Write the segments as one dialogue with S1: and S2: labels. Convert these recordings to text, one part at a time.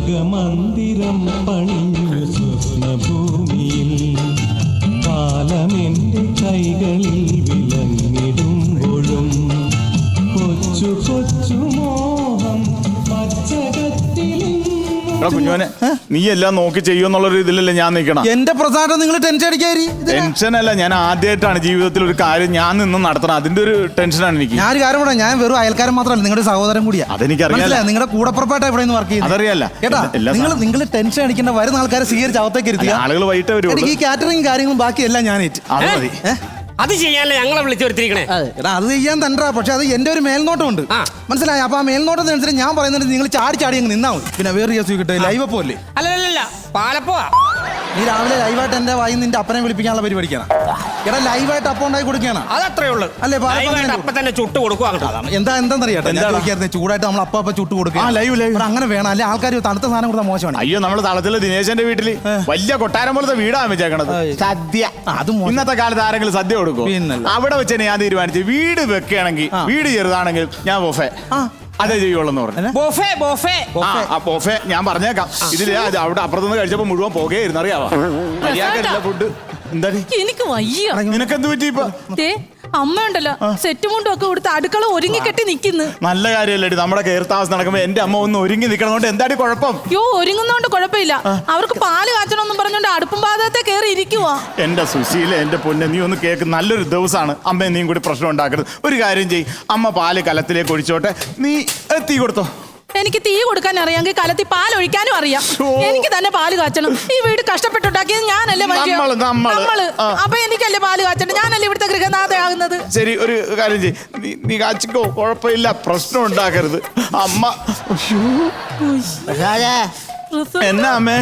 S1: സ്വർഗമന്ദിരം പണിഞ്ഞു സ്വപ്നഭൂമിയിൽ കാലമെന്റെ കൈകളിൽ വിലങ്ങിടുമ്പോഴും കൊച്ചു കൊച്ചു മോഹം പച്ചകത്തിലും.
S2: കുഞ്ഞോനെ, നീ എല്ലാം നോക്കി ചെയ്യുമെന്നുള്ളൊരു ഇതിലല്ലേ ഞാൻ നിൽക്കണം.
S3: എന്റെ പ്രധാനം നിങ്ങൾ ടെൻഷൻ അടിക്കാരി.
S2: ടെൻഷനല്ല, ഞാൻ ആദ്യമായിട്ടാണ് ജീവിതത്തിൽ ഒരു കാര്യം ഞാൻ നിന്ന് നടത്തണം. അതിന്റെ ഒരു ടെൻഷനാണ് എനിക്ക്.
S3: ഞാൻ ഒരു കാര്യം പറയാം, ഞാൻ വെറും അയൽക്കാരൻ മാത്രമല്ല, നിങ്ങളുടെ സഹോദരൻ കൂടിയാ.
S2: അതെനിക്കറിയാം.
S3: നിങ്ങളുടെ കൂടപ്പുറപ്പായിട്ട് ഇവിടെ വർക്ക് ചെയ്യുന്നത്
S2: അതറിയാല്ല
S3: കേട്ടാ. നിങ്ങൾ ടെൻഷൻ അടിക്കേണ്ട, വരുന്ന ആൾക്കാരെ സ്വീകരിച്ച് അവത്തേക്ക് ഇരുത്തുക.
S2: ആളുകൾ വൈകിട്ട് വരും.
S3: എനിക്ക് ഈ കാറ്ററിംഗ് കാര്യങ്ങളും ബാക്കിയെല്ലാം ഞാൻ ഏറ്റ്.
S2: അത് മതി.
S4: അത് ചെയ്യാനല്ലേ ഞങ്ങളെ വിളിച്ചു വരുത്തിരിക്കണേ.
S3: എടാ അത് ചെയ്യാൻ തണ്ടാ, പക്ഷെ അത് എന്റെ ഒരു മേൽനോട്ടമുണ്ട്, മനസ്സിലായി. അപ്പൊ ആ മേൽനോട്ടത്തിനനുസരിച്ച് ഞാൻ പറയുന്നത് നിങ്ങൾ ചാടി ചാടി അങ്ങ് നിന്നാ മതി. പിന്നെ വേറെ കേസ് കിട്ടും. ലൈവ് അപ്പോ അല്ലേ?
S4: അല്ലല്ല, പാലപ്പോ.
S3: നീ രാവിലെ ലൈവായിട്ട് എന്റെ വായി നിന്റെ അപ്പനെ വിളിപ്പിക്കാനുള്ള പരിപാടിക്കാണ്. എടാ ലൈവായിട്ട് അപ്പം ഉണ്ടാക്കി കൊടുക്കുകയാണ്.
S4: അതത്രേ ഉള്ളൂ.
S3: അല്ലേ?
S4: അപ്പൊ തന്നെ ചുട്ട് കൊടുക്കുക.
S3: എന്താന്നറിയാട്ടെ, ചൂടായിട്ട് നമ്മൾ അപ്പ ചുട്ട് കൊടുക്കുക. അങ്ങനെ വേണം, അല്ലെ ആൾക്കാർ തണുത്ത സാധനം കൊടുത്താൽ മോശമാണ്.
S2: അയ്യോ, നമ്മള് തളത്തില് ദിനേശന്റെ വീട്ടില് വലിയ കൊട്ടാരം പോലത്തെ വീടാണ് വെച്ചേക്കണത്. സദ്യ.
S3: അത്
S2: ഇന്നത്തെ കാലത്ത് ആരെങ്കിലും സദ്യ കൊടുക്കും? അവിടെ വെച്ച് ഞാൻ തീരുമാനിച്ചു, വീട് വെക്കുകയാണെങ്കിൽ, വീട് ചെറുതാണെങ്കിൽ ഞാൻ ബൊഫേ അതേ ചെയ്യുള്ളൂ പറഞ്ഞു. ബൊഫേ ഞാൻ പറഞ്ഞേക്കാം. ഇതില് അവിടെ അപ്പുറത്തുനിന്ന് കഴിച്ചപ്പോ മുഴുവൻ പുകയായിരുന്നു, അറിയാവോ? മര്യാദ ഫുഡ്. എന്താ
S5: എനിക്ക് വയ്യ.
S2: നിനക്കെന്ത് പറ്റി ഇപ്പൊ?
S5: അമ്മ ഉണ്ടല്ലോ, സെറ്റ് മുണ്ടും ഒക്കെ കൊടുത്ത് അടുക്കള ഒരുങ്ങി കെട്ടി നിക്കുന്നു.
S2: നല്ല കാര്യമല്ലേ നമ്മുടെ കയർത്താവസ്ഥ നടക്കുമ്പോ എന്റെ അമ്മ ഒന്ന് ഒരുങ്ങി നിൽക്കണോണ്ട് എന്താടി കുഴപ്പം?
S5: യോ, ഒരുങ്ങുന്നോണ്ട് കുഴപ്പമില്ല. അവർക്ക് പാല് കാച്ചണമെന്നും പറഞ്ഞോണ്ട് അടുപ്പും പാതത്തെ കയറി ഇരിക്കുവാ.
S2: എന്റെ സുശീല, എന്റെ പൊന്നെ, നീ ഒന്ന് കേക്ക്. നല്ലൊരു ദിവസമാണ്. അമ്മ നീയും കൂടി പ്രശ്നം ഉണ്ടാക്കരുത്. ഒരു കാര്യം ചെയ്യ്, അമ്മ പാല് കലത്തിലേക്ക് ഒഴിച്ചോട്ടെ, നീ തീ കൊടുത്തോ.
S5: എനിക്ക് തീ കൊടുക്കാൻ അറിയാമെങ്കിൽ കലത്തിൽ പാൽ ഒഴിക്കാനും അറിയാം. എനിക്ക് തന്നെ പാല് കാച്ചണം. ഈ വീട് കഷ്ടപ്പെട്ടുണ്ടാക്കിയത് ഞാനല്ലേ? നമ്മള്. അപ്പൊ എനിക്കല്ലേ പാല് കാച്ചണം? ഞാനല്ലേ ഇവിടുത്തെ ഗൃഹനാഥയാകുന്നത്?
S2: ശരി, ഒരു കാര്യം ചെയ്യ്, നീ കാച്ചിക്കോ, കുഴപ്പമില്ല, പ്രശ്നം ഉണ്ടാക്കരുത്. അമ്മ എന്നാ അമ്മേ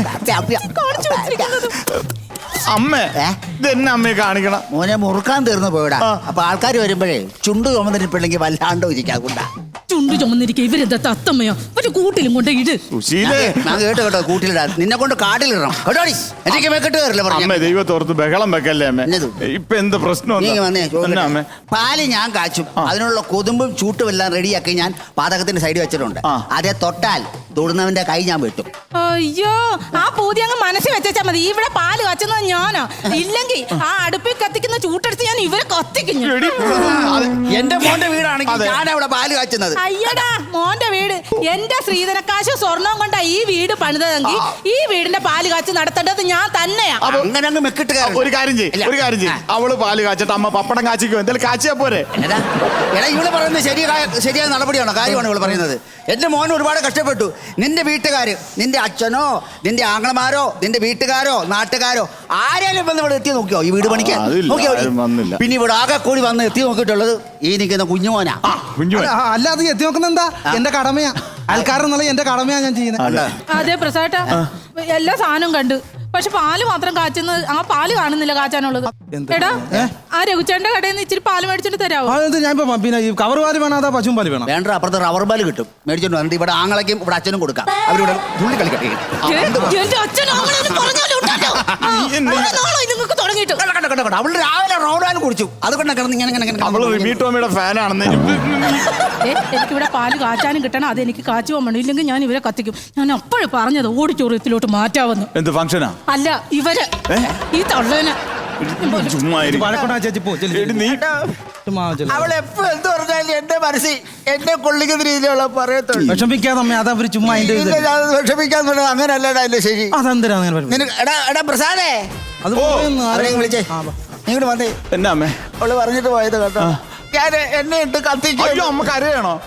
S2: അമ്മേ ഇതെന്നെ അമ്മയെ കാണിക്കണം.
S6: മോനെ മുറുക്കാൻ തീർന്നു പോയിടാ. അപ്പൊ ആൾക്കാർ വരുമ്പോഴേ ചുണ്ട് ചുമന്നിരിപ്പില്ലെങ്കിൽ വല്ലാണ്ടോ ഇരിക്കാ.
S5: ചുണ്ട് ചുമന്നിരിക്കുക. ഇവരെന്താ തത്തമ്മയോ? ഒരു കൂട്ടിലും കൊണ്ട് ഇട്.
S6: ഞാൻ കേട്ടോ, കൂട്ടിലിടാ. നിന്നെ കൊണ്ട് കാട്ടിലിടണം കേട്ടോ. എനിക്ക് വെക്കിട്ട് കയറില്ല.
S2: ദൈവത്തോർത്ത് ബഹളം വെക്കല്ലേ അമ്മേ. ഇപ്പൊ എന്ത് പ്രശ്നം?
S6: പാല് ഞാൻ കാച്ചും. അതിനുള്ള കൊതുമ്പും ചൂട്ടും എല്ലാം റെഡിയാക്കി ഞാൻ പാതകത്തിന്റെ സൈഡിൽ വെച്ചിട്ടുണ്ട്. അതേ തൊട്ടാൽ തൊടുന്നവന്റെ കൈ ഞാൻ വെട്ടും.
S5: അയ്യോ, ആ പൂതി അങ്ങ് മനസ്സിൽ വെച്ചാ മതി. ഇവിടെ പാല് കാച്ചുന്നത് ഞാനാ. ഇല്ലെങ്കിൽ ആ അടുപ്പിൽ കത്തിക്കുന്ന ചൂട്ടെടുത്ത് ഞാൻ ഇവരെ കത്തിക്കും.
S6: എന്റെ മോന്റെ വീടാണെങ്കിൽ ഞാൻ അവിടെ പാല് കാച്ചുന്നത്.
S5: അയ്യടാ, മോന്റെ വീട്. എന്റെ ശ്രീധനക്കാശ് സ്വർണം കൊണ്ടാ ഈ വീട് പണിതെങ്കിൽ ഈ വീടിന്റെ പാല് കാച്ച് നടത്തേണ്ടത് ഞാൻ തന്നെയാ.
S6: അങ്ങനെ അങ്ങ് മെക്കിട്ട്
S2: ഒരു കാര്യം ചെയ്യ്, അവള് പാല് കാച്ചിട്ട് അമ്മ പപ്പടം കാച്ചിക്കോ, എന്തായാലും കാച്ചിയാ പോരെ.
S6: എടാ, ഇവള് പറയുന്നത് ശരിയായ നടപടിയാണോ, കാര്യമാണ് ഇവള് പറയുന്നത്. എന്റെ മോൻ ഒരുപാട് കഷ്ടപ്പെട്ടു. നിന്റെ വീട്ടുകാര്, നിന്റെ അച്ഛനോ നിന്റെ ആങ്ങളമാരോ നിന്റെ വീട്ടുകാരോ നാട്ടുകാരോ ആരെങ്കിലും വന്ന് ഇവിടെ എത്തി നോക്കിയോ ഈ വീട് പണിക്കാൻ? നോക്കിയോ? പിന്നെ ഇവിടെ ആകെ കൂടി വന്ന് എത്തി നോക്കിയിട്ടുള്ളത് ഈ നിൽക്കുന്ന കുഞ്ഞുമോനാ.
S3: അല്ലാതെ എത്തി നോക്കുന്ന എന്താ? എന്റെ കടമയാ. ആൾക്കാരെന്നുള്ള എന്റെ കടമയാ ഞാൻ ചെയ്യുന്നത്.
S5: അതെ പ്രസാദ, എല്ലാ സാധനവും കണ്ടു. പക്ഷെ പാല് മാത്രം കാച്ചുന്നത്, ആ പാല് കാണുന്നില്ല കാച്ചാനുള്ളത്. എടാ, ആ രഘുചേട്ടന്റെ കടയിൽ നിന്ന് ഇച്ചിരി പാല് മേടിച്ചിട്ട് തരാമോ?
S3: ഞാൻ പിന്നെ ഈ കവർ പാല് വേണം, അതാ പശുവും പാല് വേണം?
S6: വേണ്ട, അപ്പുറത്ത് റബ്ബർ പാല് കിട്ടും, മേടിച്ചോണ്ട് വന്നിട്ട് ഇവിടെ ആങ്ങളയ്ക്കും ഇവിടെ അച്ഛനും കൊടുക്കാം. അവരിവിടെ തുള്ളി കളിക്കട്ടെ. അവള് രാവിലെ റൗണ്ടാലും കുടിച്ചു. അതുകൊണ്ട് കിടന്ന്
S2: ഇങ്ങനെ ഫാനാണെന്ന്.
S5: എനിക്കിവിടെ പാല് കാച്ചാനും കിട്ടണം, അത് എനിക്ക് കാച്ചു പോകണം. ഇല്ലെങ്കിൽ ഞാൻ ഇവരെ കത്തിക്കും. ഞാൻ അപ്പോഴും പറഞ്ഞത് ഓഡിറ്റോറിയത്തിലോട്ട് മാറ്റാവുന്നു.
S2: എന്ത് ഫംഗ്ഷനാ?
S5: അല്ല, ഇവര് ഈ തള്ളേനെ
S6: അവളെപ്പോഴും എന്ത് പറഞ്ഞാലും എന്റെ മനസ്സിൽ എന്നെ കൊള്ളിക്കുന്ന രീതിയിലുള്ള പറയത്തുള്ളൂ.
S3: വിഷമിക്കാതെ അതവര് ചുമ്മാ
S6: വിഷമിക്കാന്ന് പറഞ്ഞാൽ അങ്ങനല്ലടാ. അല്ലേ ശരി. എടാ പ്രസാദേ, വിളിച്ചേ, നീങ്ങോട്ട് വന്നേ.
S2: എന്നാ അമ്മേ?
S6: അവള് പറഞ്ഞിട്ട് പോയത് കേട്ടോ. ഞാൻ എന്നെ ഇട്ട് കത്തിച്ചു.
S2: അമ്മ കരയാണോ?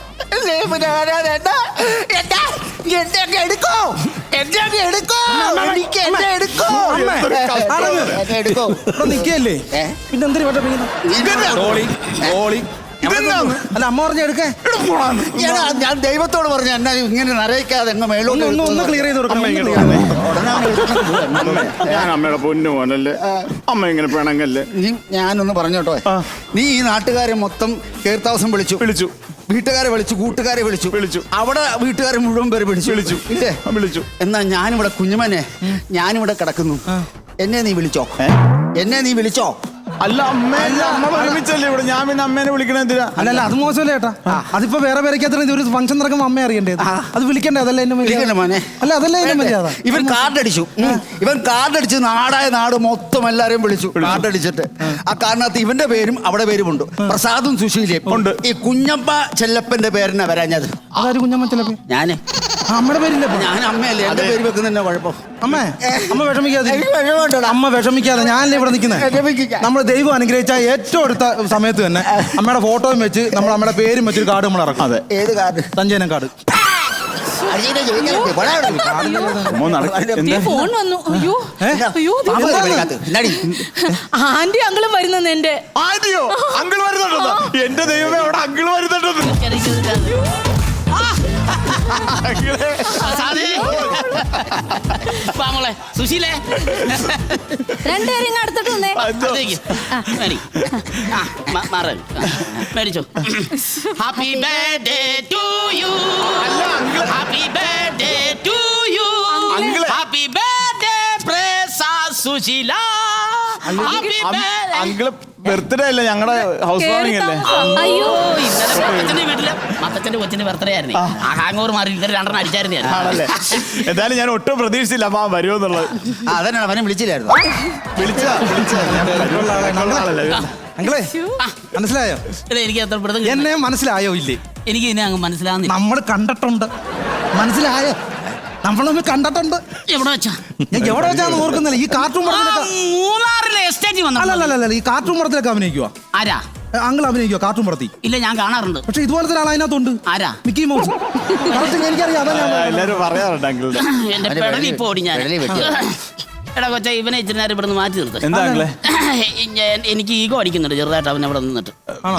S3: നിക്കല്ലേ പിന്നെന്തിനാ? അല്ല, അമ്മ പറഞ്ഞ എടുക്കേ.
S6: ഞാൻ ദൈവത്തോട് പറഞ്ഞു എന്നാ ഇങ്ങനെ നരയിക്കാതെ
S3: ഒന്ന് ക്ലിയർ ചെയ്ത് കൊടുക്കണം.
S2: ഞാൻ അമ്മയുടെ പൊന്നു പോലല്ലേ, അമ്മ ഇങ്ങനെ പിണങ്ങല്ലേ.
S6: ഞാനൊന്ന് പറഞ്ഞോട്ടോ, നീ ഈ നാട്ടുകാരെ മൊത്തം കേർത്താവസം വിളിച്ചു, വീട്ടുകാരെ വിളിച്ചു, കൂട്ടുകാരെ വിളിച്ചു, അവിടെ വീട്ടുകാരെ മുഴുവൻ പേര് വിളിച്ചു. എന്നാ ഞാനിവിടെ കുഞ്ഞുമനെ, ഞാനിവിടെ കിടക്കുന്നു. എന്നെ നീ വിളിച്ചോ?
S2: അല്ല അമ്മ ഒരുമിച്ചല്ലേ ഇവിടെ, ഞാൻ പിന്നെ അമ്മേനെ വിളിക്കണ എന്തിനാ?
S3: അല്ലല്ല അത് മോശമല്ലേ ചേട്ടാ. അതിപ്പോ വേറെ പേരൊക്കെ ഒരു ഫംഗ്ഷൻ നടക്കുമ്പോ അമ്മ അറിയണ്ടേത്, അത് വിളിക്കണ്ടേ? അതല്ലേ എന്നെ
S6: വിളിക്കണ്ട മോനെ.
S3: അല്ല അതല്ലേ എന്നെ മര്യാദ.
S6: ഇവൻ കാർഡടിച്ചു, നാടായ നാട് മൊത്തം എല്ലാരെയും വിളിച്ചു. കാർഡടിച്ചിട്ട് ആ കാറിനകത്ത് ഇവന്റെ പേരും അവിടെ പേരുമുണ്ട്, പ്രസാദും സുശീലയും ഉണ്ട്. ഈ കുഞ്ഞമ്മ ചെല്ലപ്പന്റെ പേരിനാ വരാഞ്ഞത്.
S3: അതായത് കുഞ്ഞമ്മ ചിലപ്പോ
S6: ഞാന്
S3: അമ്മയുടെ പേരില്ല.
S6: ഞാൻ അമ്മയല്ലേ, എന്റെ പേര് വെക്കുന്നതന്നെ കുഴപ്പം.
S3: അമ്മ വിഷമിക്കാതെ, അമ്മ വിഷമിക്കാതെ. ഞാനല്ലേ ഇവിടെ നിൽക്കുന്നത്. നമ്മൾ ദൈവം അനുഗ്രഹിച്ച ഏറ്റവും അടുത്ത സമയത്ത് തന്നെ അമ്മയുടെ ഫോട്ടോയും വെച്ച് നമ്മൾ അമ്മയുടെ പേരും വെച്ചൊരു കാർഡ് നമ്മൾ ഇറക്കും.
S2: അതെ,
S6: ഏത് കാർഡ്?
S3: സഞ്ജയനം കാർഡ്.
S5: ഫോൺ വന്നു. അയ്യോ അയ്യോ, ആന്റി അങ്കിളും വരുന്നെന്ന് എന്റെ.
S2: ആന്റിയോ? അങ്കിൾ വരുന്നുണ്ടോ? എന്റെ ദൈവമേ, അവിടെ അങ്കിൾ വരുന്നുണ്ടോ?
S4: സുശീലേ,
S5: രണ്ടുപേരും അടുത്തോട്ട് വന്നേ.
S4: മേടിച്ചോ. Happy birthday to you, happy birthday to you, happy birthday Sushila.
S2: Uncle birthday അല്ലേ, ഞങ്ങളുടെ ഹൗസ് വാമിംഗ് അല്ലേ?
S5: അയ്യോ,
S4: ഇന്നലെ വീട്ടില് മത്തച്ഛന്റെ കൊച്ചിന്റെ ബർത്ത്ഡേ ആയിരുന്നു. ആ ഹാങ് ഓവർ മാറി ഇന്നലെ 2 അടിച്ചായിരുന്നു.
S2: ആണല്ലേ? എന്തായാലും ഞാൻ ഒട്ടും പ്രതീക്ഷിച്ചില്ല അമ്മ വരുമെന്നുള്ളത്.
S6: അതന്നെ അവനെ വിളിച്ചില്ലായിരുന്നു.
S3: അങ്കിളെ മനസ്സിലായോ?
S4: എനിക്ക് അത്ര
S3: എന്നെ മനസ്സിലായോ ഇല്ലേ?
S4: എനിക്ക് ഇനി അങ്ങ് മനസ്സിലാവുന്നില്ല.
S3: നമ്മൾ കണ്ടിട്ടുണ്ട്, മനസ്സിലായോ? നമ്മളൊന്ന് കണ്ടിട്ടുണ്ട്.
S4: എവിടെ വെച്ചാ?
S3: ഞാൻ എവിടെ വെച്ചാന്ന് ഓർക്കുന്നില്ല. ഈ കാർട്ടൂൺ
S4: മൂന്നാറിലെ എസ്റ്റേറ്റ് വന്നു.
S3: അല്ലല്ല, ഈ കാർട്ടൂൺ പടത്തിലൊക്കെ അഭിനയിക്കുവാ.
S4: ആരാ?
S3: അങ്കിൾ അഭിനയിക്കുവാ കാർട്ടൂൺ പടത്തിൽ?
S4: ഇല്ല, ഞാൻ കാണാറുണ്ട്.
S3: പക്ഷെ ഇതുപോലത്തെ ഒരാൾ അതിനകത്തുണ്ട്.
S4: ആരാ?
S3: Mickey Mouse. എനിക്കറിയാം, അതാ ഞാൻ
S2: എല്ലാരും പറയാറുണ്ട് അങ്കിളുടെ.
S4: എന്റെ പെടലി ഇപ്പൊ ഓടി ഞാൻ. എടാ കൊച്ച, ഇവനെ ഇച്ചിരി നേരം ഇവിടെ നിന്ന് മാറ്റി നിർത്ത്.
S2: എന്താ അങ്കിളെ?
S4: എനിക്ക് ഈഗോ അടിക്കുന്നുണ്ട് ചെറുതായിട്ട് അവൻ അവിടെ നിന്നിട്ട്.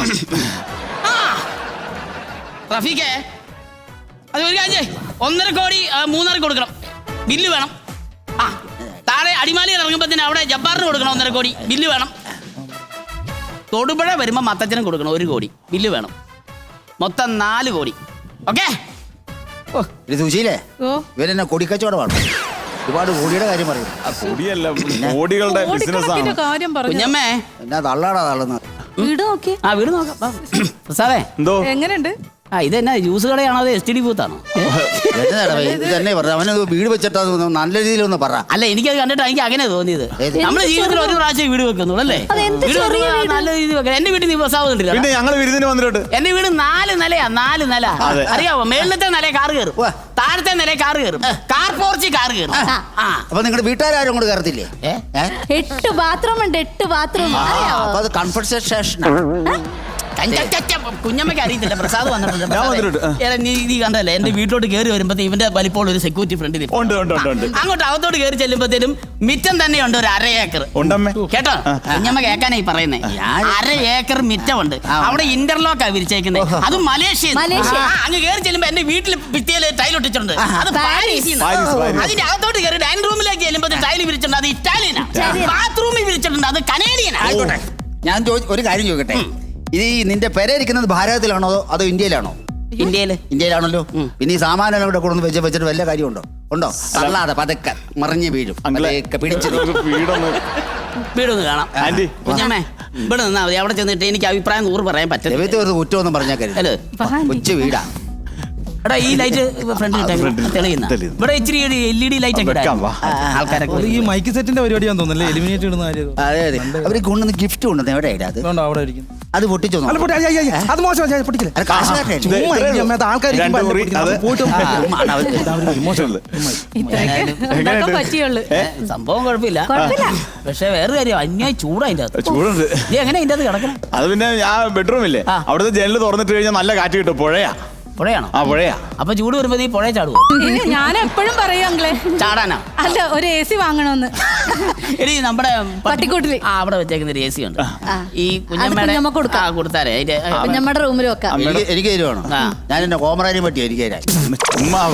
S4: റഫീഖേ, അത് ഒരു കാര്യം, 1.5 കോടി മൂന്നാർക്ക് കൊടുക്കണം, ബില്ല് വേണം. ആ, താഴെ അടിമാലിയിൽ ഇറങ്ങുമ്പോഴത്തേന് അവിടെ ജബ്ബാറിന് കൊടുക്കണം 1.5 കോടി, ബില്ല് വേണം. തൊടുപുഴ വരുമ്പോൾ മത്തച്ഛനും കൊടുക്കണം 1 കോടി, ബില്ല് വേണം. മൊത്തം 4 കോടി. ഓക്കെ?
S6: സുശീലേ, ഇവരെന്നെ കൊടിക്കച്ചവടമാണ്. ഒരുപാട് കോടിയുടെ കാര്യം പറയും.
S2: കോടിയല്ല, കോടികളുടെ ബിസിനസ്സാണ്.
S5: കാര്യം പറഞ്ഞു.
S4: കുഞ്ഞമ്മേ,
S6: എന്നാ തള്ളാടാ തള്ളുന്നത്.
S5: വീട് നോക്കി.
S4: ആ വീട് നോക്കാം. പ്രസാദേ,
S2: എന്തോ
S5: എങ്ങനെയുണ്ട്?
S4: ഇതെന്നാ ജ്യൂസ് കടയാണോ അതോ STD ബൂത്താണോ?
S6: തന്നെ പറഞ്ഞു, അവനത് വീട് വെച്ചിട്ടാ നല്ല രീതിയിലൊന്ന് പറ.
S4: അല്ല, എനിക്കത് കണ്ടിട്ട് എനിക്ക് അങ്ങനെ തോന്നിയത്. നമ്മുടെ ജീവിതത്തിൽ ഒരു പ്രാവശ്യം വീട് വെക്കുന്നുള്ളൂ അല്ലേ? വീട് നല്ല രീതിയിൽ വെക്കാം. എന്റെ വീട്ടിൽ നീ പ്രസാദം കണ്ടില്ല?
S2: പിന്നെ ഞങ്ങൾ വിരുന്നിന് വന്നിട്ടുണ്ട്.
S4: എന്റെ വീട് 4 നിലയാ, 4 നില. അറിയാവോ? മേളിലത്തെ നില കാറ് കയറും, താഴത്തെ നില കാറ് കയറും, കാർ പോർച്ച് കാറ് കയറും.
S6: അപ്പൊ നിങ്ങളുടെ വീട്ടുകാരും കൂടെ കയറത്തില്ലേ?
S5: 8 ബാത്റൂം ഉണ്ട്, 8 ബാത്റൂം.
S6: അപ്പൊ അത് കൺഫർട്ടേഷൻ.
S4: കുഞ്ഞമ്മയ്ക്ക് അറിയത്തില്ല, പ്രസാദ് വന്നിട്ടുണ്ട്. നീ കണ്ടല്ലേ, എന്റെ വീട്ടിലോട്ട് കയറി വരുമ്പോ ഇവന്റെ വലിപ്പോൾ ഒരു സെക്യൂരിറ്റി ഫ്രണ്ടിൽ അങ്ങോട്ട് അകത്തോട്ട് കയറി ചെല്ലുമ്പോഴത്തേനും മിറ്റം തന്നെയുണ്ട് ഒരു 1/2 ഏക്കർ. കേട്ടോ, കുഞ്ഞമ്മ കേൾക്കാനായി പറയുന്നേ. 1/2 ഏക്കർ മിറ്റമുണ്ട്. അവിടെ ഇന്റർലോക്കാ വിരിച്ചേക്കുന്നത്. അത് മലേഷ്യ. അങ്ങ് കയറി ചെല്ലുമ്പോ എന്റെ വീട്ടിൽ ഭിത്തിയില് ടൈൽ ഒട്ടിച്ചിട്ടുണ്ട്. അത് പാരീസിൽ. അതിന്റെ അകത്തോട്ട് കയറി ഡൈനിങ് റൂമിലേക്ക് ചെല്ലുമ്പോ ടൈൽ വിരിച്ചിട്ടുണ്ട്. അത് ഇറ്റാലിയനാ. ബാത്റൂമിൽ വിരിച്ചിട്ടുണ്ട്. അത് കനേഡിയനാ.
S6: ഞാൻ ഒരു കാര്യം ചോദിക്കട്ടെ, ഇത് നിന്റെ പെരയിരിക്കുന്നത് ഭാരതത്തിലാണോ അതോ ഇന്ത്യയിലാണോ? ഇന്ത്യയിലാണല്ലോ. പിന്നെ ഈ സാമാനം ഇവിടെ കൊണ്ടു വെച്ചിട്ട് വല്ല കാര്യമുണ്ടോ? ഉണ്ടോ? അല്ലാതെ പതക്കെ മറിഞ്ഞ് വീഴും.
S4: വീടൊന്ന് കാണാം. കുഞ്ഞമ്മേ, ഇവിടെ നിന്നാ മതി. അവിടെ ചെന്നിട്ട് എനിക്ക് അഭിപ്രായം 100 പറയാൻ പറ്റില്ല.
S6: കുറ്റമൊന്നും പറഞ്ഞാൽ കൊച്ചു വീടാ.
S4: എടാ, ഈ ലൈറ്റ് ഫ്രണ്ടിൽ തെളിയുന്ന ഇവിടെ ഇച്ചിരി LED ലൈറ്റ് ഒക്കെ ആൾക്കാരൊക്കെ.
S3: ഈ മൈക്ക് സെറ്റിന്റെ പരിപാടിയാന്ന് തോന്നുന്നല്ലേ, എലിമിനേറ്റ് ഇടുന്ന കാര്യം.
S6: അതെ അതെ, അവര് കൊണ്ടുവന്ന് ഗിഫ്റ്റ് കൊണ്ടുവന്ന് എവിടെയാ അത്?
S3: അവിടെ ഇരിക്കുന്നു.
S6: അത് പൊട്ടിച്ചോ?
S3: അത് മോശം, പൊട്ടിക്കില്ല.
S4: സംഭവം കുഴപ്പമില്ല. പക്ഷെ വേറെ കാര്യം, അന്യായി ചൂടായിന്റെ
S2: ചൂടുണ്ട്.
S4: എങ്ങനെ ഇതിന്റെ അത് കിടക്കണം?
S2: അത് പിന്നെ ആ ബെഡ്റൂമില്ലേ, അവിടുത്തെ ജനല് തുറന്നിട്ട് കഴിഞ്ഞാൽ നല്ല കാറ്റ് കിട്ടും.
S4: പുഴയാണോ?
S2: ആ, പുഴയാ.
S4: അപ്പൊ ചൂട് വരുമ്പോ നീ പുഴ ചാടുവോ?
S5: ഞാൻ എപ്പോഴും പറയും അങ്ങളെ,
S4: ചാടാനാ?
S5: അല്ല, ഒരു AC വാങ്ങണമെന്ന്.
S4: എടി, നമ്മുടെ
S5: പട്ടിക്കൂട്ടില്
S4: അവിടെ വെച്ചേക്കുന്ന ഒരു AC ഉണ്ട്. ഈ കുഞ്ഞമ്മയുടെ കൊടുത്താരേ
S5: കുഞ്ഞമ്മയുടെ റൂമിൽ വെക്കാം.
S6: എനിക്ക് തരുവാണോ? ഞാൻ എന്റെ കോമറാരി പറ്റിയോ? എനിക്ക്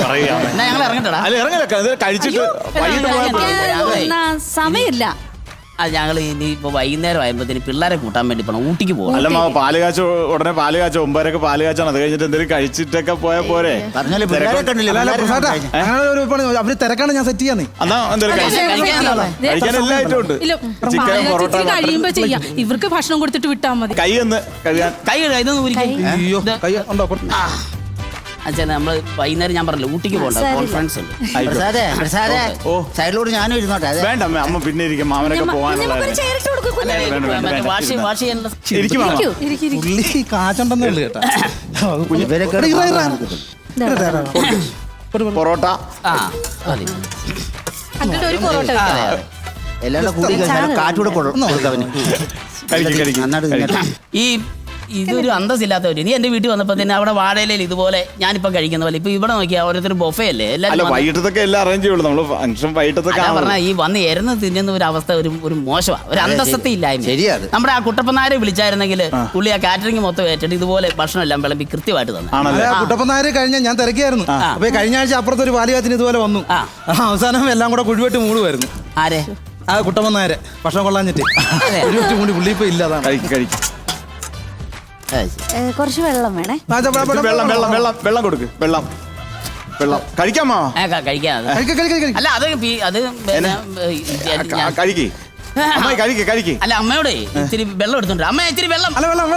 S4: ഞങ്ങൾ ഇറങ്ങട്ടടാ.
S2: കഴിച്ചിട്ട്
S5: സമയമില്ല.
S4: അത് ഞങ്ങൾ ഇനി ഇപ്പൊ വൈകുന്നേരം ആയപ്പോഴത്തേന് പിള്ളേരെ കൂട്ടാൻ വേണ്ടി പോണം ഊട്ടിക്ക് പോകണം.
S2: അല്ല മാവ പാല് കാച്ച ഉടനെ പാല് കാച്ച 9:00 പാല് കാച്ചാണ്. അത് കഴിഞ്ഞിട്ട് എന്തെങ്കിലും കഴിച്ചിട്ടൊക്കെ പോയാ പോരെ.
S6: പറഞ്ഞാലേ പിള്ളേരെ കണ്ടില്ല.
S3: അല്ല, പ്രസാദാ, അങ്ങനെ ഒരു പണി, അവര് തിരക്കാണ്, ഞാൻ സെറ്റ് ചെയ്യാന്നേ.
S2: എന്നാ എന്തെങ്കിലും കഴിക്കാൻ എല്ലാ ഐറ്റം ഉണ്ട്. ചിക്കൻ, പൊറോട്ട,
S5: കഴിയുമ്പോ ചെയ്യാം. ഇവർക്ക് ഭക്ഷണം കൊടുത്തിട്ട് വിട്ടാ മതി.
S2: കൈ ഒന്ന് കഴുകാൻ.
S4: കൈ ഇതൊന്നും ഊരിക്കേ.
S3: അയ്യോ, കൈ ഉണ്ടോ?
S4: അച്ഛാ നമ്മള് വൈകുന്നേരം ഞാൻ പറഞ്ഞില്ല ഊട്ടിക്ക് പോകണ്ട, കോൺഫറൻസ് ഉണ്ട്.
S6: പ്രസാദേ
S2: ഓ.
S6: സൈഡിലോട്ട് ഞാനും ഇരുന്നോട്ടെ. അതെ
S2: വേണ്ട അമ്മ, അമ്മ പിന്നെ ഇരിക്കും. മാമനൊക്കെ പോകാനുള്ള
S4: വാഷ് ചെയ്യാനുള്ള
S2: ഇരിക്കും മാമ.
S3: പുള്ളി കാച്ചുണ്ടെന്നേ ഉള്ളു കേട്ടാ.
S6: ഇവരൊക്കെ
S2: പൊറോട്ട
S4: മതി.
S5: എന്നിട്ട് ഒരു പൊറോട്ട വെക്കാം.
S6: എല്ലാം കൂടി കാറ്റൂടെ കൊടുക്കവന്.
S2: കഴിക്കും
S6: നന്നായിട്ട്
S2: കഴിക്കും.
S4: ഈ ഇതൊരു അന്തസ്സില്ലാത്തവര്. നീ എന്റെ വീട്ടിൽ വന്നപ്പോ തന്നെ അവിടെ വാഴയിലയിൽ ഇതുപോലെ ഞാനിപ്പോ കഴിക്കുന്ന പോലെ ഇപ്പൊ ഇവിടെ നോക്കിയാ ഓരോരുത്തർ ബൊഫേ അല്ലേ
S2: അല്ല,
S4: എല്ലാവരും.
S2: വൈകിട്ടത്തൊക്കെ എല്ലാം അറേഞ്ച് ചെയ്യുള്ളൂ. നമ്മള് ഫംഗ്ഷൻ വൈകിട്ടത്തൊക്കെ
S4: പറഞ്ഞാൽ ഈ വന്ന് എരുന്ന് തിന്നുന്ന ഒരു അവസ്ഥ ഒരു മോശമാണ്, ഒരു അന്തസ്സത്തെ ഇല്ലായ്മ.
S6: ശരിയാണ്.
S4: നമ്മുടെ ആ കുട്ടപ്പനാരെ വിളിച്ചായിരുന്നെങ്കിൽ പുള്ളി ആ കാറ്ററിംഗ് മൊത്തം ഏറ്റിട്ട് ഇതുപോലെ ഭക്ഷണം എല്ലാം വിളമ്പി കൃത്യമായിട്ട് തന്നെ.
S2: ആണല്ലേ.
S3: കുട്ടപ്പനാര് കഴിഞ്ഞ ഞാൻ തിരക്കിയായിരുന്നു. അപ്പൊ കഴിഞ്ഞ ആഴ്ച അപ്പുറത്ത് ഒരു പാലുകാച്ചിന് ഇതുപോലെ വന്നു. അവസാനം എല്ലാം കൂടെ കുഴിവെട്ട് മൂടുമായിരുന്നു.
S4: ആരെ?
S3: ആ കുട്ടപ്പനാര് ഭക്ഷണം കൊള്ളാഞ്ഞിട്ട് കുഴിവെട്ട് മൂടി. പുള്ളി ഇപ്പൊ ഇല്ലാതാണ്.
S2: കഴിക്കും.
S7: കുറച്ച് വെള്ളം വേണേ.
S2: വെള്ളം വെള്ളം വെള്ളം വെള്ളം കൊടുക്ക്. വെള്ളം വെള്ളം കഴിക്കാമോ?
S4: കഴിക്കാം. അല്ല അത് അത്
S2: കഴിക്ക്. അമ്മ കഴിക്ക്.
S4: അല്ല അമ്മയോടെ ഇത്തിരി വെള്ളം എടുത്തോണ്ട് അമ്മ ഇത്തിരി വെള്ളം.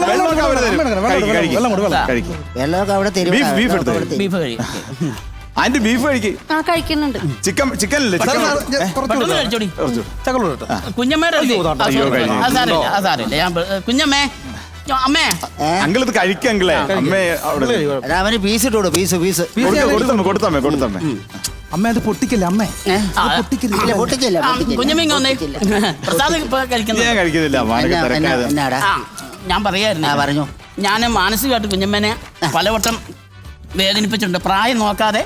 S6: വെള്ളമൊക്കെ അവിടെ തരും.
S2: ബീഫ് എടുത്തു.
S4: ബീഫ് കഴിക്കും.
S2: അതിന്റെ ബീഫ് കഴിക്ക്.
S7: കഴിക്കുന്നുണ്ട്.
S2: ചിക്കൻ അല്ലേ?
S4: കഴിച്ചോടി.
S3: ചക്കളോട്ടോ.
S4: കുഞ്ഞമ്മയുടെ സാരമില്ല. ഞാൻ കുഞ്ഞമ്മേ, അമ്മേ,
S2: അങ്കിൾ ഇത് കഴിക്കങ്കിളേ. അമ്മേ അവിടെ
S6: അവന് പീസ് ഇട്ടോളൂ. പീസ്
S2: കൊടുത്തമ്മേ.
S3: അമ്മ അത് പൊട്ടിക്കല്ലേ അമ്മേ?
S6: പൊട്ടിക്കില്ല.
S4: കുഞ്ഞമ്മ വന്നേ. പ്രസാദ് ഇപ്പൊ കഴിക്കുന്നത്
S2: ഞാൻ കഴിക്കുന്നില്ല.
S6: എന്നാടാ
S4: ഞാൻ പറയായിരുന്നു.
S6: പറഞ്ഞു.
S4: ഞാൻ മാനസികമായിട്ട് കുഞ്ഞമ്മനെ പലവട്ടം വേദനിപ്പിച്ചിട്ടുണ്ട്. പ്രായം നോക്കാതെ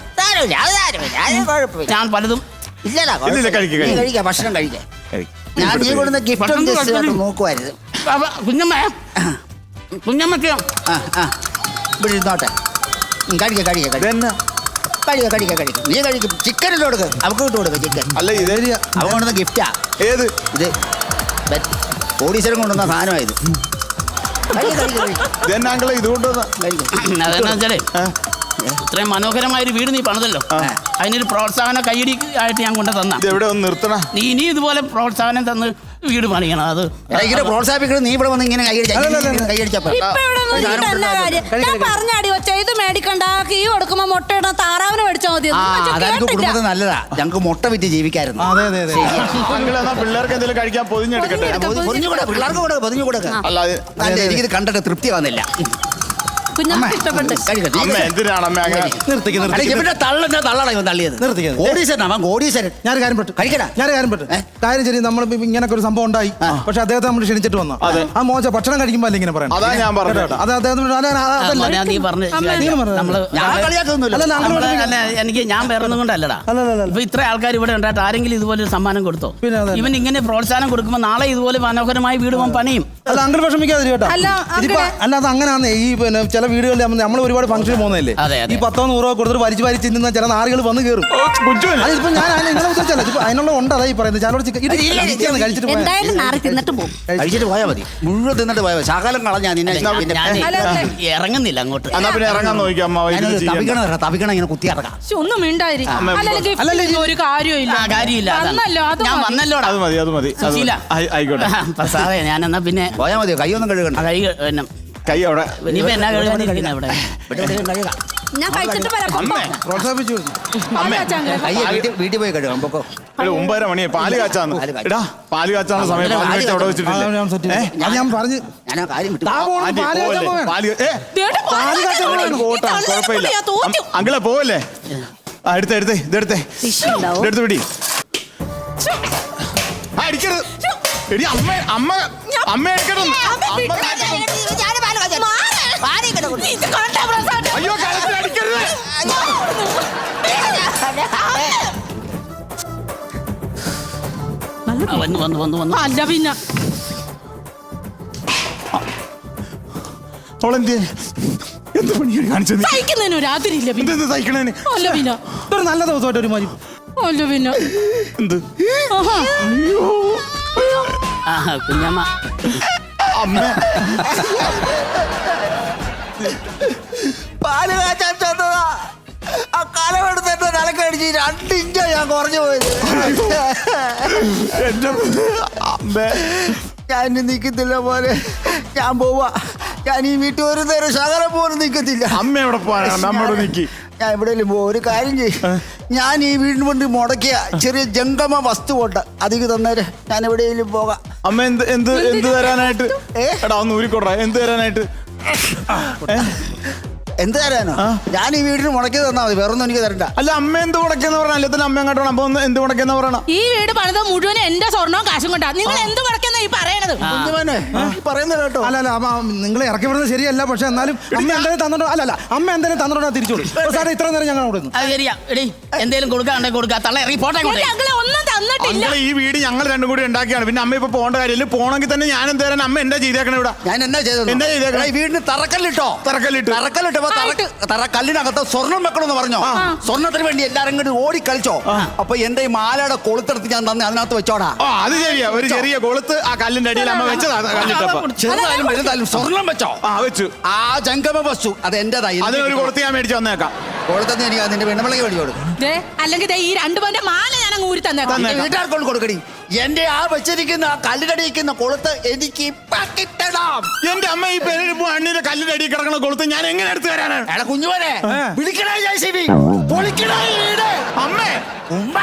S4: ഞാൻ പലതും.
S6: കഴിക്കാം, ഭക്ഷണം കഴിക്കാം. ഞാൻ നീ കൊടുക്കുന്ന ഗിഫ്റ്റ് നോക്കുമായിരുന്നു.
S4: കുഞ്ഞമ്മക്ക്
S6: ഇവിടെ ഇരുന്നോട്ടെ. കഴിക്കാം. നീ കഴിക്കും. ചിക്കൻ ഇട്ട് കൊടുക്ക്. അവർക്ക് ഇട്ട് കൊടുക്ക ചിക്കൻ.
S2: അല്ല ഇതേ
S6: അവൻ കൊണ്ടുവന്ന ഗിഫ്റ്റാ.
S2: ഏത്
S6: ഇത് കോടീശ്വരൻ കൊണ്ടുവന്ന സാധനമായത്.
S2: ഇതെന്നെ അങ്കിളെ ഇത് കൊണ്ടുവന്ന.
S4: അതെന്നാ വെച്ചാലേ ഇത്രയും മനോഹരമായൊരു വീട് നീ പണിതല്ലോ, അതിനൊരു പ്രോത്സാഹന കൈയടി ആയിട്ട് ഞാൻ കൊണ്ട് തന്ന.
S2: എവിടെ ഒന്ന് നിർത്തണ.
S4: നീ ഇനി ഇതുപോലെ പ്രോത്സാഹനം തന്ന് വീട് പണിയണം. അത്
S6: പ്രോത്സാഹിപ്പിക്കണം. നീ ഇവിടെ വന്ന് ഇങ്ങനെ
S7: പറഞ്ഞാടി ഒച്ച ഇത് മേടിക്കണ്ട, കീ കൊടുക്കുമ്പോ മുട്ട ഇടാൻ താറാവിന് മേടിച്ചാൽ മതി.
S6: അതെനിക്ക് കുടുംബത്തിൽ നല്ലതാ. ഞങ്ങൾക്ക് മുട്ട വിറ്റ് ജീവിക്കായിരുന്നു.
S2: പിള്ളേർക്ക് എന്തെങ്കിലും കഴിക്കാൻ പൊതിഞ്ഞെടുക്കട്ടെ.
S6: പിള്ളേർക്ക് കൂടെ പൊതിഞ്ഞു കൊടുക്ക. അല്ലാതെ എനിക്കിത് കണ്ടിട്ട് തൃപ്തി വന്നില്ല.
S7: കുഞ്ഞമ്മക്ക് ഇഷ്ടപ്പെട്ടു.
S2: അമ്മ എന്തിനാണ് അമ്മ അങ്ങനെ
S6: കോടീശ്വരൻ.
S3: ഞാൻ കാര്യം പെട്ടു. കാര്യം ശരി, നമ്മൾ ഇങ്ങനൊക്കെ ഒരു സംഭവം ഉണ്ടായി. പക്ഷെ അദ്ദേഹത്തെ നമ്മൾ ക്ഷണിച്ചിട്ട് വന്നു. ആ മോശം ഭക്ഷണം കഴിക്കുമ്പോ അല്ല ഇങ്ങനെ പറയാം.
S2: അതാ ഞാൻ പറഞ്ഞത്.
S3: അത് അദ്ദേഹത്തിന്
S4: നീ പറഞ്ഞു. എനിക്ക് ഞാൻ വേറൊന്നും കൊണ്ടല്ലടാ. ഇപ്പൊ ഇത്ര ആൾക്കാർ ഇവിടെ ഉണ്ടായിട്ട് ആരെങ്കിലും ഇതുപോലെ ഒരു സമ്മാനം കൊടുത്തോ? ഇവൻ ഇങ്ങനെ പ്രോത്സാഹനം കൊടുക്കുമ്പോ നാളെ ഇതുപോലെ മനോഹരമായ വീട് പണിയും.
S3: അല്ല അങ്കിൾ വിഷമിക്കാതെ കേട്ടോ. അല്ല അത് അങ്ങനെയാന്ന്. ഈ പിന്നെ ചില വീടുകളിൽ നമ്മൾ ഒരുപാട് ഫംഗ്ഷൻ പോകുന്നതല്ലേ, ഈ 10-100 കൊടുത്തിട്ട് വലിച്ചു തിന്നുന്ന ചില നാറുകൾ വന്ന് കയറും. അതിപ്പോ ഞാൻ നിങ്ങളെ ഉദ്ദേശിച്ചല്ല, അതിനുള്ള ഉണ്ട്. അതായി പറയുന്നത് ചിലരോട് കഴിച്ചിട്ട്
S6: പോയാൽ മതി. മുഴുവൻ തിന്നിട്ട് പോയാൽ മതി. ശകലം കളഞ്ഞാ
S4: ഇറങ്ങുന്നില്ല അങ്ങോട്ട്.
S2: എന്നാ പിന്നെ ഇറങ്ങാൻ നോക്കിയാ
S6: തപിക്കണം ഇങ്ങനെ കുത്തി ഇറങ്ങാം.
S5: ഒന്നും മിണ്ടായിരിക്കും. ഒരു കാര്യമില്ല.
S4: ഞാൻ വന്നല്ലോടാ.
S2: അത് മതി. ആയിക്കോട്ടെ.
S4: സാറേ ഞാൻ എന്നാ പിന്നെ
S6: പോയാൽ മതി. കൈയൊന്നും കഴുകണ്ട.
S2: കൈ അവിടെ
S4: ഇനിയിപ്പോ എന്നാ കഴുകാനിരിക്കുന്ന ഇവിടെ.
S7: ഞാൻ കഴിച്ചിട്ട്
S3: പ്രോത്സാഹിപ്പിച്ചു.
S6: വീട്ടിൽ പോയി കഴുകാം. പൊക്കോ.
S2: 9:30 മണിയെ പാല് കാച്ചാന്ന്. എടാ പാല് കാച്ചാനുള്ള സമയം അവിടെ വെച്ചിട്ടില്ല.
S3: ഞാൻ പറഞ്ഞു
S6: ഞാൻ ആ കാര്യം വിട്ടു.
S2: കുഴപ്പമില്ല. അങ്കിളെ പോവല്ലേ? എടുത്തേ ഇതെടുത്തേ പിടി. അടിക്കരുത്. എടി അമ്മ എടുക്കണം. അയ്യോ കഴുത്തിൽ അടിക്കരുത്.
S4: വന്നു.
S5: അല്ല പിന്നെ
S2: എന്ത് പണിയാണ് കാണിച്ചത്?
S5: സഹിക്കുന്നതിന് ഒരു അതിരില്ല പിന്നെ.
S2: എന്ത് സഹിക്കണേന്?
S5: അല്ല പിന്നെ
S3: ഒരു നല്ല ദിവസമായിട്ട് ഒരു മാതിരി.
S5: അല്ല പിന്നെ
S2: എന്ത്?
S5: ആഹാ.
S2: അയ്യോ
S4: കുഞ്ഞമ്മ
S2: അമ്മ
S6: പാല് കാച്ചാൻ ചെന്നതാ. ആ കലമെടുത്ത് എന്റെ തലക്കടിച്ച് 2 ഇഞ്ചാ ഞാൻ കുറഞ്ഞു പോയത്.
S2: എന്റെ അമ്മ
S6: ഞാൻ ഇനി നിൽക്കത്തില്ല പോലെ. ഞാൻ പോവാ. ഞാൻ ഈ വീട്ടിൽ ഒരു നേരം ശകലം പോലും നിൽക്കത്തില്ല.
S2: അമ്മ എവിടെ പോവാനാണ് അമ്മയോട് നിൽക്കി.
S6: ഞാൻ എവിടെയെങ്കിലും പോകും. ഒരു കാര്യം ചെയ്യും, ഞാൻ ഈ വീടിന് കൊണ്ട് മുടക്കിയ ചെറിയ ജംഗമ വസ്തു കൊണ്ട് അതിക്ക് തന്നേരെ ഞാൻ എവിടെയെങ്കിലും പോകാം.
S2: അമ്മ എന്ത് എന്ത് എന്ത് തരാനായിട്ട്? എടാ ഒന്ന് ഊരിക്കൊടാ. എന്ത് തരാനായിട്ട്?
S6: എന്ത് തരാനോ? ഞാൻ ഈ വീടിന് മുടക്കി തന്നാ മതി, വേറൊന്നും എനിക്ക് തരണ്ട.
S2: അല്ല അമ്മ എന്ത് മുടക്കിയെന്ന് പറഞ്ഞ അല്ലത്തിന് അമ്മ അങ്ങോട്ട് അപ്പൊ ഒന്ന് എന്ത് മുടക്കിയെന്ന് പറയണം.
S5: ഈ വീട് പണിത് മുഴുവൻ എന്റെ സ്വർണവും കാശും കൊണ്ടാ. നിങ്ങൾ എന്ത് മുടക്കുന്ന ഈ പറയണത്?
S6: കുഞ്ഞുമോനെ, ഈ പറയുന്നത് കേട്ടോ.
S3: അല്ല അമ്മ നിങ്ങളെ ഇറക്കി വിടുന്നത് ശരിയല്ല. പക്ഷെ എന്നാലും അമ്മ എന്തെങ്കിലും തന്നിട്ടോ? അല്ല അമ്മ എന്തെങ്കിലും തന്നിട്ടോ തിരിച്ചോളൂ. സാറേ ഇത്ര നേരം ഞങ്ങൾ അവിടെ
S4: അത് ശരിയാ. എടീ എന്തേലും കൊടുക്കാണ്ടേ കൊടുക്കാ. തള്ള ഇറങ്ങി പോട്ടെ.
S5: ഞങ്ങളെ ഒന്നും തന്നിട്ടില്ല.
S2: ഈ വീട് ഞങ്ങൾ രണ്ടും കൂടി ഉണ്ടാക്കിയാണ്. പിന്നെ അമ്മ ഇപ്പൊ പോകേണ്ട കാര്യമില്ല. പോണെങ്കിൽ തന്നെ ഞാൻ എന്ത് തരാൻ? അമ്മ എന്താ ചെയ്തേക്കണ ഇവിടെ?
S6: ഞാൻ എന്നാ ചെയ്തത്?
S2: എന്നാ ചെയ്തേക്കണേ?
S6: ഈ വീടിന് തറക്കല്ലിട്ടോ. തറക്കല്ലിനകത്ത് സ്വർണം വെക്കണമെന്ന് പറഞ്ഞോ. സ്വർണത്തിന് വേണ്ടി എല്ലാരും കൂടി ഓടി കളിച്ചോ. അപ്പൊ എന്റെ ഈ മാലയുടെ കൊളുത്തെടുത്ത് ഞാൻ തന്നെ അതിനകത്ത് വെച്ചോടാ.
S2: അത് ശരിയാ. ഒരു ചെറിയ കൊളുത്ത് ആ കല്ലിന്റെ അടിയിൽ അമ്മ വെച്ചതാ. കല്ലിട്ടപ്പോ
S6: ചെറുതായാലും വലുതായാലും സ്വർണം വെച്ചോ.
S2: വെച്ചു.
S6: ആ ജംഗമ വസ്തു അത് എന്റേതായി.
S2: അതിനൊരു കൊളുത്ത് ഞാൻ മേടിച്ചു വന്നേക്കാം.
S6: കൊളുത്തന്ന് എനിക്ക് അതിന്റെ വെണ്ണമളകി മേടിച്ചു കൊടുക്കും.
S5: അല്ലെങ്കിൽ ഈ 2 പവന്റെ മാല ഞാൻ അങ്ങ് ഊരി തന്നേക്കാം.
S6: വീട്ടുകാർക്കൊണ്ട് കൊടുക്കടി. എന്റെ ആ വെച്ചിരിക്കുന്ന കല്ലിനടിയിരിക്കുന്ന കൊളുത്ത് എനിക്ക് ഇപ്പൊ കിട്ടണം.
S2: എന്റെ അമ്മ ഈ പെരടിപ്പോ അണ്ണിന്റെ കല്ലിന്റെ അടിയിൽ കിടക്കണ കൊളുത്ത് ഞാൻ എങ്ങനെ എടുത്തു തരാനാണ്?
S6: എടാ കുഞ്ഞുവനെ, വിളിക്കണേ JCB, പൊളിക്കണേ വീട്.
S2: അമ്മേ
S6: ഉമ്മ